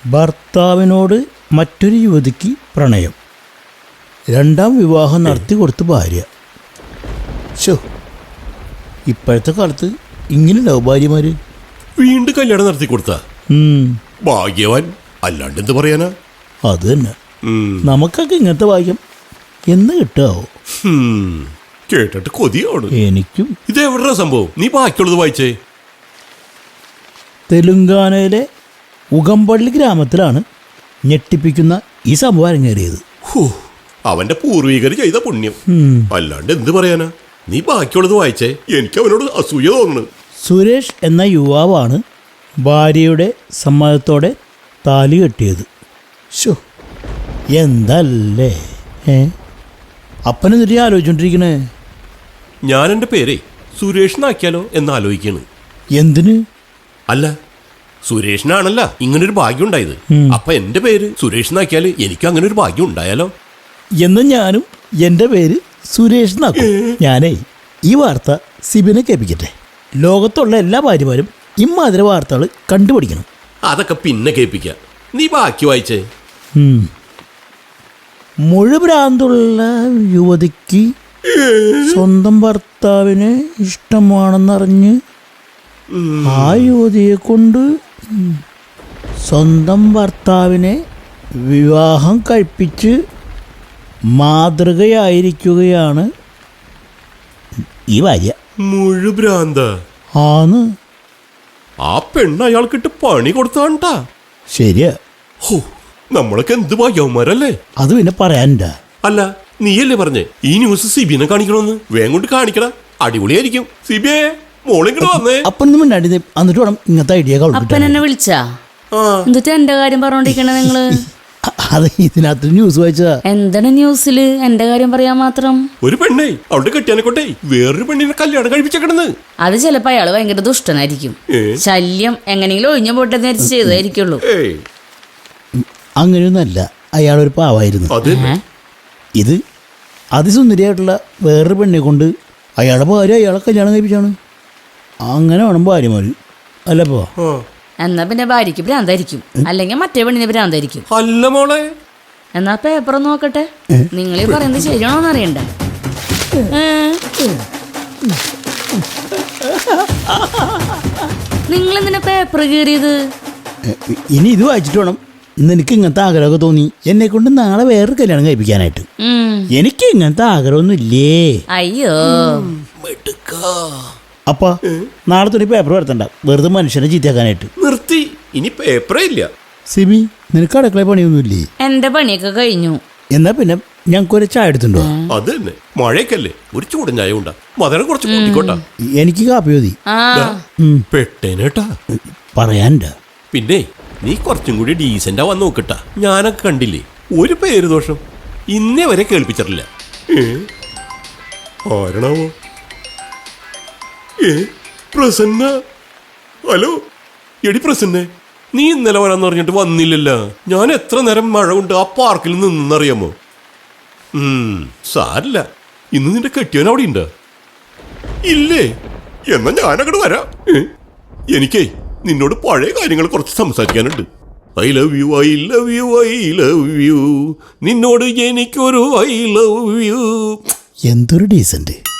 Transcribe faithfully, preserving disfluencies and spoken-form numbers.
ഭർത്താവിനോട് മറ്റൊരു യുവതിക്ക് പ്രണയം. രണ്ടാം വിവാഹം നടത്തി കൊടുത്ത് ഭാര്യ. ശോ, ഇപ്പോഴത്തെ കാലത്ത് ഇങ്ങനെ ഉണ്ടാവും ഭാര്യമാർ. വീണ്ടും കല്യാണം നടത്തി കൊടുത്ത ഭാഗ്യവാൻ, അല്ലാണ്ട് എന്ത് പറയാനാ? അത് തന്നെ, നമുക്കൊക്കെ ഇങ്ങനത്തെ ഭാഗ്യം എന്ന് കിട്ടാവോ? കേട്ടിട്ട് കൊതിയാണ് എനിക്കും. ഇത് എവിടെയാ സംഭവം? നീ ബാക്കിയുള്ളത് വായിച്ചേ. തെലുങ്കാനയിലെ ഉഗംപള്ളി ഗ്രാമത്തിലാണ് ഞെട്ടിപ്പിക്കുന്ന ഈ സംഭവം അരങ്ങേറിയത്. അവന്റെ പൂർവികർ ചെയ്ത പുണ്യം, അല്ലാണ്ട് എന്ത് പറയാനാ? നീ ബാക്കിയുള്ളത് വായിച്ചേ, എനിക്ക് അവനോട് അസൂയ തോന്നുന്നു. സുരേഷ് എന്ന യുവാവാണ് ഭാര്യയുടെ സമ്മതത്തോടെ താലി കെട്ടിയത്. ശോ, എന്തല്ലേ ഏ അപ്പനെന്നിട്ട് ആലോചിച്ചോണ്ടിരിക്കണേ. ഞാൻ എൻ്റെ പേരെ സുരേഷിനാക്കിയാലോ എന്ന് ആലോചിക്കാണ്. എന്തിന്? അല്ല, സുരേഷിനാണല്ല ഇങ്ങനൊരു ഭാഗ്യം ഉണ്ടായത്. അപ്പൊ എന്റെ പേര് സുരേഷിനാക്കിയാൽ എനിക്ക് അങ്ങനെ ഒരു ഭാഗ്യം ഉണ്ടായാലോ എന്ന് ഞാനും എൻ്റെ പേര് സുരേഷ് എന്നാക്കും. ഞാനേ ഈ വാർത്ത സിബിനെ കേൾപ്പിക്കട്ടെ. ലോകത്തുള്ള എല്ലാ ഭാര്യമാരും ഇമ്മാതിരി വാർത്തകൾ കണ്ടുപിടിക്കണം. അതൊക്കെ പിന്നെ കേൾപ്പിക്കാം. നീ ബാക്കി വായിച്ചേ. മുഴുഭ്രാന്തുള്ള യുവതിക്ക് സ്വന്തം ഭർത്താവിനെ ഇഷ്ടമാണെന്നറിഞ്ഞ് ആ യുവതിയെ കൊണ്ട് സ്വന്തം ഭർത്താവിനെ വിവാഹം കഴിപ്പിച്ച് മാതൃകയായിരിക്കുകയാണ് ഈ ഭാര്യ. മുഴുഭ്രാന്ത ആന്ന്. ആ പെണ്ണ് അയാൾക്കിട്ട് പണി കൊടുത്താണ്ടാ. ശരിയാ. ഹോ, നമ്മളൊക്കെ എന്ത് ഭാഗ്യവന്മാരല്ലേ. അത് പിന്നെ പറയാനുണ്ടാ. അല്ല, നീയല്ലേ പറഞ്ഞേ ഈ ന്യൂസ് സിബിനെ കാണിക്കണമെന്ന്? വേഗം കൊണ്ട് കാണിക്കടാ, അടിപൊളിയായിരിക്കും. സിബിയെ മോളിങ്ങോട്ട് വന്നേ. അപ്പനൊന്നും മിണ്ടാണ്ടി എന്നിട്ട് വേണം ഇങ്ങനത്തെ ഐഡിയ. അപ്പൻ എന്നെ വിളിച്ചാ? എന്നിട്ട് എന്റെ കാര്യം പറഞ്ഞോണ്ടിരിക്കണ നിങ്ങള്? അത് ഇതിനകത്ത് ന്യൂസ് വായിച്ചതാ. എന്താണ് ന്യൂസില് എന്റെ കാര്യം പറയാൻ മാത്രം? ഒരു പെണ്ണേ അവളുടെ കെട്ടിയാനെക്കൊട്ടെ വേറൊരു പെണ്ണിനെ കല്യാണം കഴിപ്പിച്ചേക്കണെന്ന്. അത് ചിലപ്പോ അയാള് ഭയങ്കര ദുഷ്ടനായിരിക്കും. ശല്യം എങ്ങനെയെങ്കിലും ഒഴിഞ്ഞ പോട്ടെന്ന് വിചാരിച്ച് ചെയ്തായിരിക്കുള്ളൂ. അങ്ങനെയൊന്നല്ല, അയാളൊരു പാവായിരുന്നു. ഇത് അതിസുന്ദരിയായിട്ടുള്ള വേറൊരു പെണ്ണെ കൊണ്ട് അയാളുടെ ഭാര്യ അയാളെ കല്യാണം കഴിപ്പിച്ചാണ്. അങ്ങനെ വേണം ഭാര്യമാര്, അല്ലപ്പോ? എന്നാ പിന്നെ ഭാര്യക്ക് ഭ്രാന്തായിരിക്കും, അല്ലെങ്കിൽ മറ്റേ പെണ്ണിന് ഭ്രാന്തായിരിക്കും. അല്ല മോളെ, എന്നാ പേപ്പർ നോക്കട്ടെ. നിങ്ങളീ പറയുന്നത് ശരിയാണോന്ന് അറിയണ്ടേ? നിങ്ങൾ എന്തിനാ പേപ്പർ കീറിയത്? ഇനി ഇത് വായിച്ചിട്ട് വേണം നിനക്ക് ഇങ്ങനത്തെ ആഗ്രഹമൊക്കെ തോന്നി എന്നെ കൊണ്ട് നാളെ വേറൊരു കല്യാണം കഴിപ്പിക്കാനായിട്ട്. എനിക്ക് ഇങ്ങനത്തെ ആഗ്രഹമൊന്നും ഇല്ലേ. അയ്യോ, അപ്പ നാളെ തുണി പേപ്പർ വരുത്തണ്ട, വെറുതെ മനുഷ്യനെ ചീത്തയാക്കാനായിട്ട്. നിർത്തി, ഇനി പേപ്പറേ ഇല്ല. സിബി, നിനക്ക് അടുക്കള പണിയൊന്നുമില്ലേ? എന്റെ പണിയൊക്കെ കഴിഞ്ഞു. എന്നാ പിന്നെ ഞങ്ങൾക്കൊരു ചായ എടുത്തുണ്ടോ? അത് തന്നെ, മഴയൊക്കെയല്ലേ, ഒരു ചൂടൻ ചായ ഉണ്ടാ. മധുരം കുറച്ച് കൂട്ടിക്കോട്ടാ. എനിക്ക് കാപ്പി മതി. പെട്ടേനേട്ടാ പറയാനുണ്ടാ. പിന്നെ നീ കുറച്ചും കൂടി ഡീസന്റാ വന്ന് നോക്കട്ടാ. ഞാനൊക്കെ കണ്ടില്ലേ ഒരു പേര് ദോഷം ഇന്നേ വരെ കേൾപ്പിച്ചിട്ടില്ല. ആരണാവോ? ഏ പ്രസന്ന. ഹലോ, എടി പ്രസന്നെ, നീ ഇന്നലെ വരാന്ന് പറഞ്ഞിട്ട് വന്നില്ലല്ലോ. ഞാൻ എത്ര നേരം മഴ കൊണ്ട് ആ പാർക്കിൽ നിന്നറിയാമോ? ഉം സാരില്ല, ഇന്ന് നിന്റെ കെട്ടിയവൻ അവിടെ ഉണ്ടോ? ഇല്ലേ? എന്നാ ഞാനങ്ങോട്ട് വരാം. എനിക്കേ നിന്നോട് പഴയ കാര്യങ്ങൾ കുറച്ച് സംസാരിക്കാനുണ്ട്. I love you, I love you, I love you. നിന്നോട് എനിക്കൊരു ഐ ലവ് യു. എന്തൊരു ഡീസന്റ്.